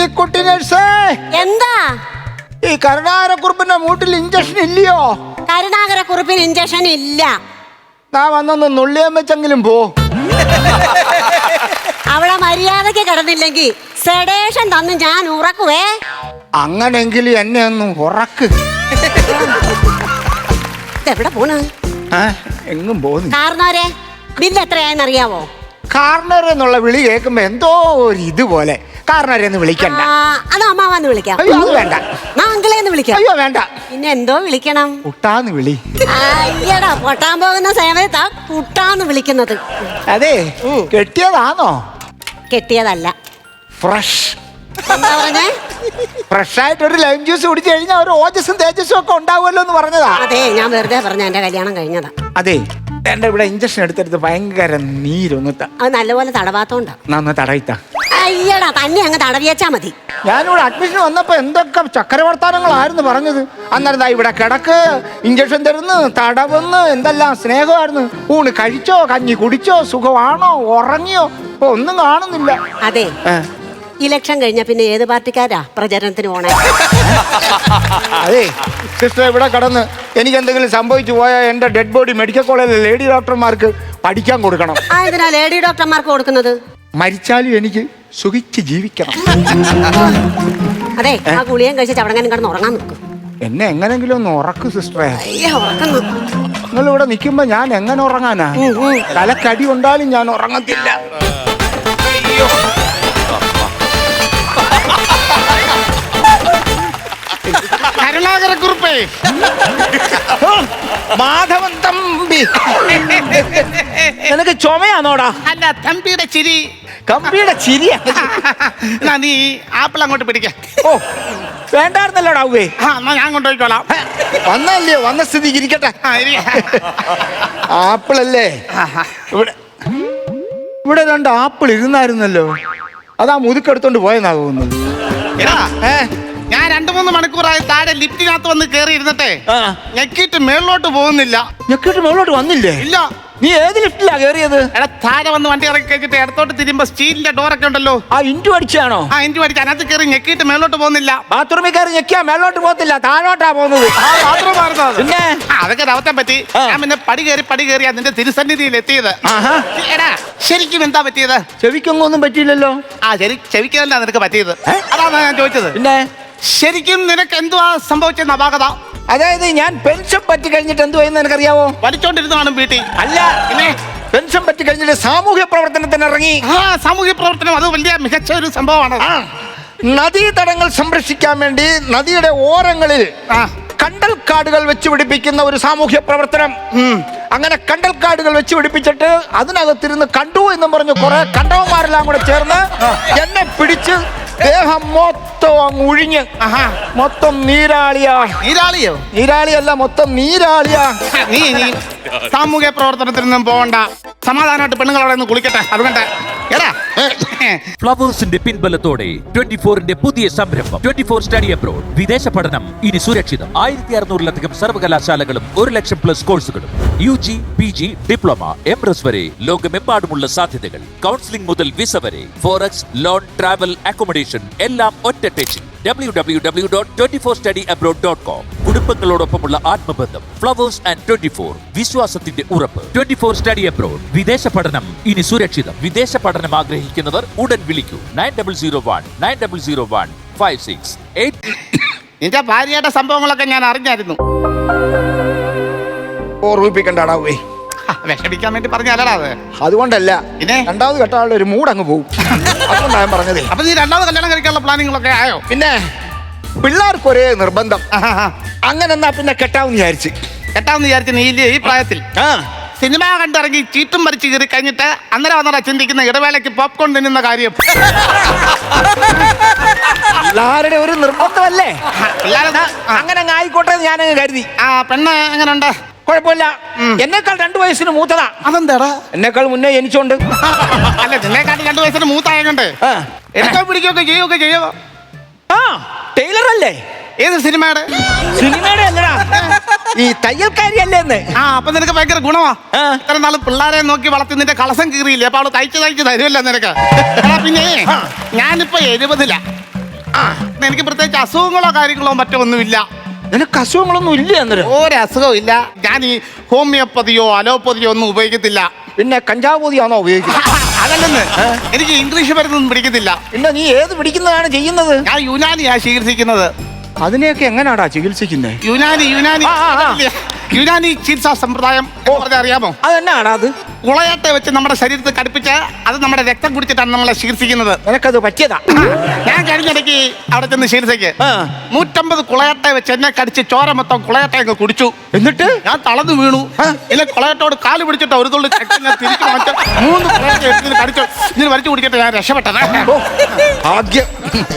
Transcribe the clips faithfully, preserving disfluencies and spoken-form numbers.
ലില്ലിക്കുട്ടി നഴ്സേ, എന്താ ഈ കരുണാകരക്കുറുപ്പിന്റെ മൂട്ടിൽ ഇഞ്ചക്ഷൻ ഇല്ലയോ? കരുണാകരക്കുറുപ്പിന് ഇഞ്ചക്ഷൻ ഇല്ല. നാ വന്നൊന്ന് നുള്ളിയാൻ വെച്ചെങ്കിലും പോ. അവിടെ മര്യാദക്ക് കിടന്നില്ലെങ്കിൽ സെഡേഷൻ തന്ന് ഞാൻ ഉറക്കുവേ. അങ്ങനെങ്കിലും എന്നെ ഒന്ന് ഉറക്ക്. എവിടെ പോണ്? എങ്ങും പോന്നു. കാരണവരെ ബില്ല് എത്രയായെന്ന് അറിയാവോ? കാർണർ എന്നുള്ള വിളി കേൾക്കുമ്പോ എന്തോ ഒരു ഇതുപോലെ. കാർണരെന്ന് വിളിക്കണ്ട. അത് അമ്മാവന്ന് വിളിക്കാം. അയ്യോ അത് വേണ്ട. അങ്കിളേന്ന് വിളിക്കാം. അയ്യോ വേണ്ട. പിന്നെ എന്തോ വിളിക്കണം? കുട്ടാന്ന് വിളി. അയ്യടാ, പൊട്ടാൻ പോകുന്ന സമയത്താ കുട്ടാന്ന് വിളിക്കുന്നത്. അതെ, കെട്ടിയതാണോ? കെട്ടിയതല്ല. ഫ്രഷ്. എന്താ പറഞ്ഞേ? ഫ്രഷ് ആയിട്ട് ഒരു ലൈം ജ്യൂസ് കുടിച്ചു കഴിഞ്ഞാൽ ഒരു ഓജസ്സും തേജസ്സും ഒക്കെ ഉണ്ടാവുമല്ലോ എന്ന് പറഞ്ഞതാ. അതെ, ഞാൻ വെറുതെ പറഞ്ഞ എന്റെ കല്യാണം കഴിഞ്ഞതാ. അതെ, എന്റെ ഇവിടെ ഇഞ്ചക്ഷൻ എടുത്തെടുത്ത് ഭയങ്കര നീരൊന്നിട്ട. അത് നല്ലപോലെ തടവാത്തോണ്ടാ. നന്ന തടയിത്ത. അയ്യടാ, തന്നെ അങ്ങ് തടവിയച്ചാ മതി. ഞാനിവിടെ അഡ്മിഷൻ വന്നപ്പോ എന്തൊക്കെ ചക്രവർത്താനങ്ങളായിരുന്നു പറഞ്ഞത്. അന്നേരം ഇവിടെ കിടക്ക്, ഇഞ്ചക്ഷൻ തരുന്നു, തടവുന്ന്, എന്തെല്ലാം സ്നേഹമായിരുന്നു. ഊണ് കഴിച്ചോ, കഞ്ഞി കുടിച്ചോ, സുഖമാണോ, ഉറങ്ങിയോ, ഇപ്പൊ ഒന്നും കാണുന്നില്ല. അതെ, ഇലക്ഷൻ കഴിഞ്ഞ പിന്നെ ഏത് പാർട്ടിക്കാരാ പ്രചരണത്തിന് പോണേ? അതെ സിസ്റ്റർ, ഇവിടെ കടന്ന് എനിക്ക് എന്തെങ്കിലും സംഭവിച്ചു പോയാൽ എന്റെ ഡെഡ് ബോഡി മെഡിക്കൽ കോളേജിലെ ലേഡി ഡോക്ടർമാർക്ക് പഠിക്കാൻ കൊടുക്കണം. ആ, എന്തിനാ ലേഡി ഡോക്ടർമാർക്ക് കൊടുക്കുന്നത്? മരിച്ചാലും എനിക്ക് സുഖിച്ച് ജീവിക്കണം. അതെ, ആ ഗുളിയും കഴിച്ച് ചവടങ്ങാനും കിടന്ന് ഉറങ്ങാൻ നിൽക്കും. എന്നെ എങ്ങനെങ്കിലും ഒന്ന് ഉറക്കു സിസ്റ്ററെ. ഉറക്കുന്നു. നിങ്ങൾ ഇവിടെ നിൽക്കുമ്പോ ഞാൻ എങ്ങനെ ഉറങ്ങാനാ? തലക്കടി ഉണ്ടാലും ഞാൻ ഉറങ്ങത്തില്ല. കരുണാകരക്കുറുപ്പേ, മാധവൻ തമ്പി, നിനക്ക് ചുമയാണോടാ? അല്ല, തമ്പിയുടെ ചിരി. കമ്പിയുടെ ചിരിയാ. നീ ആപ്പിൾ അങ്ങോട്ട് പിടിക്ക. ഓ, വേണ്ടായിരുന്നല്ലോടാവേ. ആ, എന്നാ ഞാൻ കൊണ്ടുപോയിക്കോളാം. വന്നല്ലേ, വന്ന സ്ഥിതിക്ക് ഇരിക്കട്ടെ. ആപ്പിളല്ലേ? ഇവിടെ ഇവിടെ രണ്ട് ആപ്പിൾ ഇരുന്നായിരുന്നല്ലോ. അതാ മുതുക്കെടുത്തോണ്ട് പോയെന്നാ തോന്നുന്നത്. ഞാൻ രണ്ടു മൂന്ന് മണിക്കൂറായി താഴെ ലിഫ്റ്റിനകത്ത് വന്ന് കയറി ഇരുന്നിട്ടെ ഞെക്കിട്ട് മേളിലോട്ട് പോകുന്നില്ല. ഞെക്കിട്ട് മേളിലോട്ട് വന്നില്ലേ? ഇല്ല. നീ ഏത് ലിഫ്റ്റിലാ കയറിയത്? എടാ, താഴെ വന്ന് വണ്ടി ഇറക്കി കഴിച്ചിട്ട് ഇടത്തോട്ട് തിരുമ്പോ സ്റ്റീലിന്റെ ഡോറൊക്കെ ഉണ്ടല്ലോ. ആ ഇഞ്ചു അടിച്ചാണോ? ആ ഇഞ്ചു അടിച്ച് അതിനകത്ത് കയറി ഞെക്കിട്ട് മേളിലോട്ട് പോകുന്നില്ല. ബാത്റൂമിൽ കയറി ഞെക്കിയാ മേളിലോട്ട് പോകത്തില്ല, താഴോട്ടാ പോകുന്നത്. പിന്നെ അതൊക്കെ രവത്തെ പറ്റി. ഞാൻ പിന്നെ പടി കയറി പടി കയറി അതിന്റെ തിരുസന്നിധിയിൽ എത്തിയത്. എടാ, ശരിക്കും എന്താ പറ്റിയത്? ചെവിക്കൊന്നും പറ്റിയില്ലല്ലോ. ആ ശരി, ചെവിക്കല്ല നിനക്ക് പറ്റിയത്. അതാണ് ഞാൻ ചോദിച്ചത്. പിന്നെ ശരിക്കും നിനക്ക് എന്തുവാ സംഭവിച്ചെന്ന് അപാകത? അതായത് ഞാൻ പെൻഷൻ പറ്റി കഴിഞ്ഞിട്ട് എന്തുവായെന്ന് നിനക്കറിയാവോ? വലിച്ചോണ്ടിരുന്നു കാണും വീട്ടിൽ. അല്ല, പിന്നെ പെൻഷൻ പറ്റി കഴിഞ്ഞിട്ട് സാമൂഹ്യ പ്രവർത്തനത്തിന് ഇറങ്ങി. ആ, സാമൂഹ്യ പ്രവർത്തനം അത് വലിയ മികച്ച ഒരു സംഭവമാണ്. നദീതടങ്ങൾ സംരക്ഷിക്കാൻ വേണ്ടി നദിയുടെ ഓരങ്ങളിൽ കണ്ടൽക്കാടുകൾ വെച്ച് പിടിപ്പിക്കുന്ന ഒരു സാമൂഹ്യ പ്രവർത്തനം. അങ്ങനെ കണ്ടൽക്കാടുകൾ വെച്ച് പിടിപ്പിച്ചിട്ട് അതിനകത്തിരുന്ന് കണ്ടു എന്നും പറഞ്ഞു കുറെ കണ്ടവന്മാരെല്ലാം കൂടെ ചേർന്ന് എന്നെ പിടിച്ച് ദേഹം മൊത്തം അങ്ങ് ഒഴിഞ്ഞ് മൊത്തം നീരാളിയാ. നീരാളിയോ? നീരാളിയല്ല, മൊത്തം നീരാളിയാ. നീ നീ സാമൂഹ്യ പ്രവർത്തനത്തിനൊന്നും പോകണ്ട, സമാധാനമായിട്ട് പെണ്ണുങ്ങളവിടെ നിന്ന് കുളിക്കട്ടെ. അതുകൊണ്ട് എടാ, ഫ്ലവേഴ്സിന്റെ പിൻബലത്തോടെ ട്വന്റി ഫോറിന്റെ പുതിയ സംരംഭം ട്വന്റി ഫോർ സ്റ്റഡി അബ്രോഡ്. വിദേശ പഠനം ഇനി സുരക്ഷിതം. ആയിരത്തി അറുന്നൂറിലധികം സർവകലാശാലകളും ഒരു ലക്ഷം പ്ലസ് കോഴ്സുകളും, U G, P G, diploma, M S വരെ ലോകമെമ്പാടുമുള്ള സാധ്യതകൾ. കൗൺസിലിംഗ് മുതൽ വിസ വരെ, ഫോറക്സ്, ലോൺ, ട്രാവൽ, അക്കോമഡേഷൻ എല്ലാം ഒറ്റ ടെച്ചിൽ. W W W dot twenty four study abroad dot com. കുടുംബങ്ങളോടൊപ്പമുള്ള ആത്മബന്ധം. ഫ്ലവേഴ്സ് ആൻഡ് ട്വന്റി ഫോർ, വിശ്വാസത്തിന്റെ ഉറപ്പ്. Twenty four study abroad. വിദേശ പഠനം ഇനി സുരക്ഷിതം. വിദേശ പഠനം ആഗ്രഹിക്കുന്നവർ ഉടൻ വിളിക്കൂ. Nine double zero one nine double zero one five six eight. നിന്റെ ഭാര്യയുടെ സംഭവങ്ങളൊക്കെ ഞാൻ അറിഞ്ഞായിരുന്നു. ഓർമ്മിപ്പിക്കണ്ടാവേ. വിഷമിക്കാൻ വേണ്ടി പറഞ്ഞല്ലടാ അത്. അതുകൊണ്ടല്ല, പിന്നെ രണ്ടാമത് കെട്ടാളുടെ ഒരു മൂഡ് അങ്ങ് പോകും. അതുകൊണ്ടാണ് ഞാൻ പറഞ്ഞതേ. അപ്പൊ നീ രണ്ടാമത് കല്യാണം കഴിക്കാനുള്ള പ്ലാനിങ്ങളൊക്കെ ആയോ? പിന്നെ പിള്ളേർക്ക് ഒരേ നിർബന്ധം. അങ്ങനെ എന്നാ പിന്നെ കെട്ടാമെന്ന് വിചാരിച്ച്. കെട്ടാമെന്ന് വിചാരിച്ച് നീ ഈ പ്രായത്തിൽ സിനിമ കണ്ടിറങ്ങി ചീട്ടും മരിച്ചു കയറി കഴിഞ്ഞിട്ട് അന്നേരം വന്നടാ ചിന്തിക്കുന്ന ഇടവേളയ്ക്ക് പോപ്കോൺ തിന്നുന്ന കാര്യം. പിള്ളേരുടെ ഒരു നിർബന്ധമല്ലേ? അങ്ങനെ അങ്ങ് ആയിക്കോട്ടെ ഞാനങ്ങ് കരുതി. ആ പെണ്ണ് എങ്ങനെയുണ്ട്? കുഴപ്പമില്ല. എന്നെക്കാൾ രണ്ടു വയസ്സിന് മൂത്തതാ. അതെന്താടാ? എന്നെക്കാൾ മുന്നേ ജനിച്ചോണ്ട്. അല്ല, നിന്നെക്കാട്ടി രണ്ടു വയസ്സിന് മൂത്തായതുകൊണ്ട് എടുക്കോ പിടിക്കുകയൊക്കെ ചെയ്യുകയൊക്കെ ചെയ്യോ? ആ, ടൈലർ അല്ലേ? ഏത് സിനിമയുടെ? സിനിമയുടെ അല്ലടാ, ഈ തയ്യൽക്കാരിയല്ലേ എന്ന്. ആ, അപ്പൊ നിനക്ക് ഭയങ്കര ഗുണമാ. ഇത്ര നാള് പിള്ളേരെ നോക്കി വളർത്തി നിന്റെ കളസം കീറിയില്ലേ? അപ്പൊ അവള് തയ്ച്ച് തയ്ച്ച് തരുമല്ലോ നിനക്ക്. പിന്നെ ഞാനിപ്പോ എഴുപതിലാ. എനിക്ക് പ്രത്യേകിച്ച് അസുഖങ്ങളോ കാര്യങ്ങളോ മറ്റോ ഒന്നുമില്ല. നിനക്ക് അസുഖങ്ങളൊന്നും ഇല്ല അന്നേരം? ഒരു അസുഖവും ഇല്ല. ഞാൻ ഈ ഹോമിയോപ്പതിയോ അലോപ്പതിയോ ഒന്നും ഉപയോഗിക്കത്തില്ല. പിന്നെ കഞ്ചാവ് പൊതിയാണോ ഉപയോഗിക്കുന്നത്? അതല്ലെന്ന്, എനിക്ക് ഇംഗ്ലീഷ് മരുന്നൊന്നും പിടിക്കത്തില്ല. പിന്നെ നീ ഏത് പിടിക്കുന്നതാണ് ചെയ്യുന്നത്? ഞാൻ യുനാനിയാ ചികിത്സിക്കുന്നത്. അതിനെയൊക്കെ എങ്ങനെയാടാ ചികിത്സിക്കുന്നത്? യുനാനി യുനാനി ആ, ആ, ആ. യുനാനി ചികിത്സാ സമ്പ്രദായം എന്ന് പറഞ്ഞാൽ അറിയാമോ? അതെന്നാടാ അത്? കുളയത്തെ വെച്ച് നമ്മുടെ ശരീരത്തിൽ കടുപ്പിച്ച് അത് നമ്മുടെ രക്തം കുടിച്ചിട്ടാണ് നമ്മളെ ചികിത്സിക്കുന്നത്. നിനക്കത് പറ്റിയതാ? ഞാൻ കഴിഞ്ഞിടയ്ക്ക് അവിടെ ചെന്ന് ചികിത്സയ്ക്ക് ആ. നൂറ്റമ്പത് കുളയത്തെ വെച്ച് എന്നെ കടിച്ച് ചോര മൊത്തം കുളയത്തെ അങ്ങ് കുടിച്ചു. എന്നിട്ട് ഞാൻ തളർന്നു വീണു. എന്നെ കുളയത്തോട് കാല് പിടിച്ചിട്ട് ഒരു തുള്ളി രക്തം ഞാൻ തിരിച്ചു മാറ്റി മൂന്ന് കുളയത്തെ എടുത്ത് കടിച്ചു. ഇതിന് വലിച്ചു കുടിച്ചിട്ട് ഞാൻ രക്ഷപ്പെട്ടത്. ഓ, ഭാഗ്യം.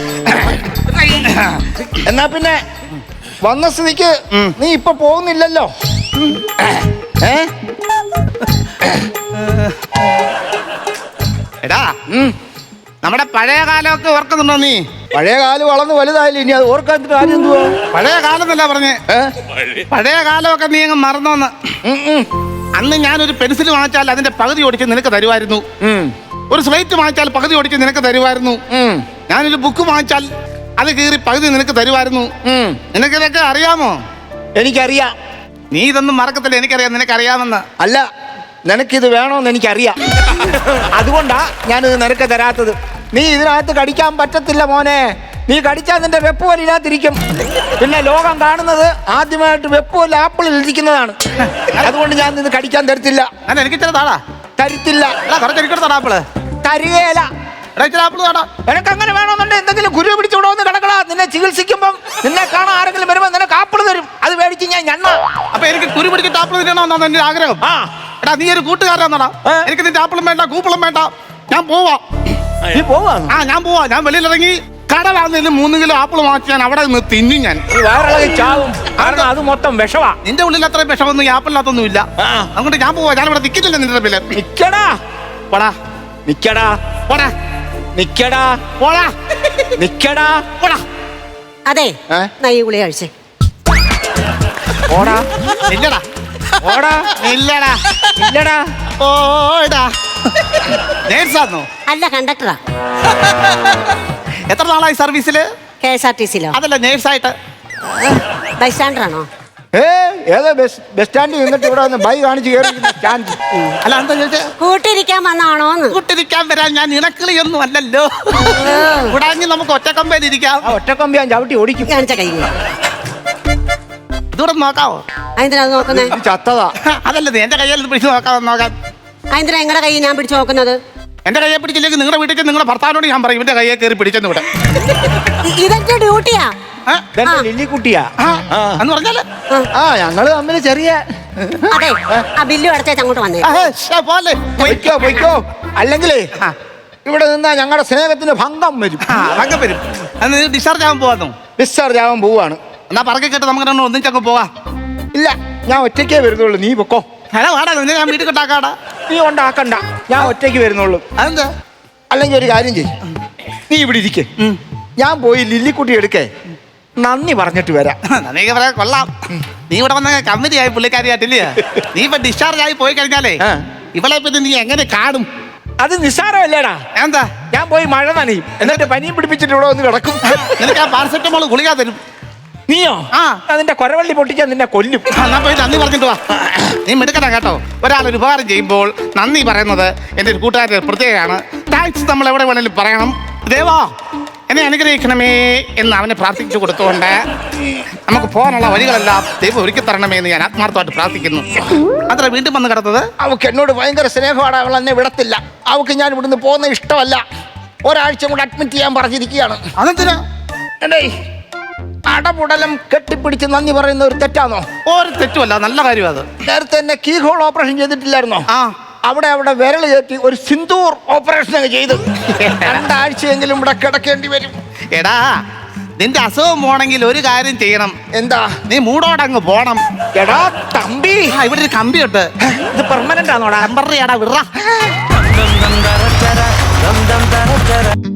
എന്നാ പിന്നെ വന്ന സ്ഥിതിക്ക് നീ ഇപ്പൊ പോകുന്നില്ലല്ലോ. ഏ എടാ, നമ്മുടെ പഴയ കാലമൊക്കെ ഓർക്കുന്നുണ്ടോ നീ? പഴയ കാലം വളർന്ന് വലുതായില്ല, ഇനി അത് ഓർക്കാൻ കാര്യം എന്തുവാ? പഴയ കാലം എന്നല്ല പറഞ്ഞേ, ഏ? പഴയ കാലമൊക്കെ നീ അങ്ങ് മറന്നോന്ന്. ഉം, ഉം, അന്ന് ഞാനൊരു പെൻസിൽ വാങ്ങിച്ചാൽ അതിന്റെ പകുതി ഓടിച്ച് നിനക്ക് തരുമായിരുന്നു. ഉം, ഒരു സ്ലേറ്റ് വാങ്ങിച്ചാൽ പകുതി ഓടിച്ച് നിനക്ക് തരുമായിരുന്നു. ഉം, ഞാനൊരു ബുക്ക് വാങ്ങിച്ചാൽ അത് കീറി പകുതി നിനക്ക് തരുമായിരുന്നു. ഉം. നിനക്കിതൊക്കെ അറിയാമോ? എനിക്കറിയാം. നീ ഇതൊന്നും മറക്കത്തില്ല, എനിക്കറിയാം നിനക്കറിയാമെന്ന്. അല്ല, നിനക്കിത് വേണോന്ന് എനിക്കറിയാം. അതുകൊണ്ടാ ഞാനിത് നിനക്ക് തരാത്തത്. നീ ഇതിനകത്ത് കടിക്കാൻ പറ്റത്തില്ല മോനെ. നീ കടിച്ചാൽ നിന്റെ വെപ്പ് പോലെ ഇതിനകത്തിരിക്കും. പിന്നെ ലോകം കാണുന്നത് ആദ്യമായിട്ട് വെപ്പ് പോലെ ആപ്പിളിൽ ഇരിക്കുന്നതാണ്. അതുകൊണ്ട് ഞാൻ ഇത് കടിക്കാൻ തരത്തില്ല. അല്ല, എനിക്ക് ഇച്ചിരി താടാ. തരത്തില്ല. എടാ, കുറച്ച് എനിക്കൊരു താടാ ആപ്പിള്. തരികയില്ല. എടാ, ഇച്ചിരി ആപ്പിള് താടാ. നിനക്ക് അങ്ങനെ വേണമെന്നുണ്ടെങ്കിൽ എന്തെങ്കിലും ഗുരു പിടിച്ചുകൂടെ ഒന്ന് കിടക്കടാ. നിന്നെ ചികിത്സിക്കുമ്പം നിന്നെ കാണാൻ ആരെങ്കിലും വരുമ്പോൾ നിനക്ക് ആപ്പിള് തരും. അത് മേടിച്ച് ഞാൻ ഞണ്ണ. അപ്പൊ എനിക്ക് കുരു പിടിച്ചിട്ട് ആപ്പിള് തിന്നണമെന്നാണ് എന്റെ ആഗ്രഹം. ആ, എടാ, നീ ഒരു കൂട്ടുകാരനാടാ. ഏ? എനിക്ക് നിന്റെ ആപ്പിളും വേണ്ട, കൂപ്പിളും വേണ്ട. ഞാൻ പോവാ. നീ പോവാന്ന്? ആ, ഞാൻ പോവാ. ഞാൻ വെളിയിലിറങ്ങി കടലാണെങ്കിലും മൂന്ന് കിലോ ആപ്പിൾ വാങ്ങിച്ച് ഞാൻ അവിടെ നിന്ന് തിന്നും ഞാൻ. നീ വയറിളകി ചാവും. കാരണം അത് മൊത്തം വിഷവാ. നിന്റെ ഉള്ളിൽ അത്രയും വിഷമൊന്നും ഈ ആപ്പിളിനകത്തൊന്നും ഇല്ല. ആ. അതുകൊണ്ട് ഞാൻ പോവാ. ഞാനിവിടെ നിൽക്കുന്നില്ല നിന്റെ പേര്. നിക്കടാ. പോടാ നിക്കടാ. പോടാ നിക്കടാ. പോടാ നിക്കടാ. പോടാ. അതെ, ഏ? എന്നാ ഈ ഗുളി കഴിച്ചേ. ഓടാ. ഇല്ലടാ, ഓടാ. ഇല്ലടാ, ഇല്ലടാ. ഓടാ. നേഴ്സാന്നോ? അല്ല, കണ്ടക്ടറാ. എത്ര നാളായി സർവീസില്? കെ എസ് ആർ ടി സിയിലോ? അതല്ല, നേഴ്സായിട്ട്. ബൈ സ്റ്റാൻഡറാണോ? ഏ ഏതോ ബസ് ബസ് സ്റ്റാൻഡിൽ നിന്നിട്ട് ഇവിടെ വന്ന് ബൈ കാണിച്ച് കയറി സ്റ്റാൻഡ്. അല്ല, എന്താ ചോദിച്ചേ? കൂട്ടിരിക്കാൻ വന്നാണോന്ന്. കൂട്ടിരിക്കാൻ വരാൻ ഞാൻ ഇണക്കിളിയൊന്നും അല്ലല്ലോ. കൂടാഞ്ഞ് നമുക്ക് ഒറ്റക്കമ്പയിലിരിക്കാം. ആ ഒറ്റക്കൊമ്പി ഞാൻ ചവിട്ടി ഓടിക്കും. കാണിച്ച കൈ. ഇതൂടെ നോക്കാവോ? അതെന്തിനാ അത് നോക്കുന്നേ? ഇത് ചത്തതാ. അതല്ല, നീ എന്റെ കയ്യിൽ പിടിച്ച് നോക്കാവോ? നോക്കാൻ. അതെന്തിനാ എങ്ങടെ കൈ ഞാൻ പിടിച്ചു നോക്കുന്നത്? എന്റെ കയ്യെ പിടിച്ചില്ലെങ്കിൽ നിങ്ങളുടെ വീട്ടിൽ നിങ്ങളുടെ ഭർത്താവിനോട് ഞാൻ പറയും ഇവന്റെ കയ്യെ കയറി പിടിച്ചെന്ന് വിടാം. ഇ- ഇതെന്റെ ഡ്യൂട്ടിയാ. ഇതെന്റെ ആ. ലില്ലിക്കുട്ടിയാ. ആ. എന്ന് പറഞ്ഞാല് ആ ഞങ്ങള് തമ്മിൽ ചെറിയ അതെ, ആ ബില്ല് അടച്ചേച്ച് അങ്ങോട്ട് വന്നേ. ആ, ശ്ശെ, പോലെ പൊയ്ക്കോ പൊയ്ക്കോ. അല്ലെങ്കിലേ ആ. ഇവിടെ നിന്നാ ഞങ്ങളുടെ സ്നേഹത്തിന് ഭംഗം വരും. ആ, അതൊക്കെ വരും. അന്ന് ഡിസ്ചാർജ് ആവാൻ പോവാന്നു. ഡിസ്ചാർജ് ആവാൻ പോവാണ്. എന്നാ പറക്കെ കേട്ട് നമുക്ക് രണ്ടും ഒന്നിച്ചങ്ങ് പോവാ. ഇല്ല, ഞാൻ ഒറ്റയ്ക്കേ വരുന്നുള്ളൂ. നീ പൊക്കോ. ഹലോ, വാടാ, നിന്നെ ഞാൻ വീട്ടിൽ കൊണ്ടാക്കാടാ. നീ ഉണ്ടാക്കണ്ട, ഞാൻ ഒറ്റയ്ക്ക് വരുന്നുള്ളൂ. അതെന്താ? അല്ലെങ്കിൽ ഒരു കാര്യം ചെയ്യും, നീ ഇവിടെ ഇരിക്കേ. ഞാൻ പോയി ലില്ലിക്കുട്ടി എടുക്കേ നന്ദി പറഞ്ഞിട്ട് വരാം. നീ പറയാ കൊള്ളാം. നീ ഇവിടെ വന്ന കമ്പനി ആയി പുള്ളിക്കാരിയായിട്ടില്ലേ? നീ ഇപ്പൊ ഡിസ്ചാർജ് ആയി പോയി കഴിഞ്ഞാലേ ആ. ഇവളെ പിന്നെ നീ എങ്ങനെ കാണും? അത് നിസ്സാരമല്ലേടാ. എന്താ? ഞാൻ പോയി മഴ നനയും, എന്നിട്ട് പനിയും പിടിപ്പിച്ചിട്ട് ഇവിടെ വന്ന് കിടക്കും. നിനക്ക് ആ പാരസെറ്റമോൾ ഗുളിക തരും. നീയോ? ആ. അതിന്റെ കൊരവള്ളി പൊട്ടിച്ചാൽ നിന്നെ കൊല്ലും. ആ, എന്നാ പോയി നന്ദി പറഞ്ഞിട്ട് വാ. നീ മിടുക്കണ കേട്ടോ. ഒരാളൊരു ഉപകാരം ചെയ്യുമ്പോൾ നന്ദി പറയുന്നത് എൻ്റെ ഒരു കൂട്ടുകാരുടെ പ്രത്യേകമാണ്. താങ്ക്സ് നമ്മൾ എവിടെ വേണേലും പറയണം. ദേവാ, എന്നെ അനുഗ്രഹിക്കണമേ എന്ന് അവനെ പ്രാർത്ഥിച്ചു കൊടുത്തുകൊണ്ട് നമുക്ക് പോകാനുള്ള വഴികളെല്ലാം ദൈവം ഒരുക്കി തരണമേ എന്ന് ഞാൻ ആത്മാർത്ഥമായിട്ട് പ്രാർത്ഥിക്കുന്നു. അത്ര വീണ്ടും വന്ന് കിടന്നത് അവക്ക് എന്നോട് ഭയങ്കര സ്നേഹമാണ്. അവൾ എന്നെ വിടത്തില്ല. അവക്ക് ഞാൻ ഇവിടുന്ന് പോകുന്ന ഇഷ്ടമല്ല. ഒരാഴ്ച കൂടെ അഡ്മിറ്റ് ചെയ്യാൻ പറഞ്ഞിരിക്കുകയാണ്. അതെന്തിനാ? എടേ, അടപുടലം കെട്ടിപ്പിടിച്ച് നന്ദി പറയുന്ന ഒരു തെറ്റാണോ? ഒരു തെറ്റുമല്ല, നല്ല കാര്യം അത്. നേരത്തെ എന്നെ കീ ഹോൾ ഓപ്പറേഷൻ ചെയ്തിട്ടില്ലായിരുന്നോ? ആ. അവിടെ അവിടെ വിരൽ കയറ്റി ഒരു സിന്ദൂർ ഓപ്പറേഷൻ അങ്ങ് ചെയ്ത് രണ്ടാഴ്ചയെങ്കിലും ഇവിടെ കിടക്കേണ്ടി വരും. എടാ, നിന്റെ അസുഖം പോണെങ്കിൽ ഒരു കാര്യം ചെയ്യണം. എന്താ? നീ മൂടോടങ്ങ് പോണം. എടാ തമ്പി, ആ, ഇവിടെ ഒരു കമ്പിയുണ്ട്. ഇത് പെർമനന്റ് ആണോടാ? ടെമ്പററി ആടാ, വിറ.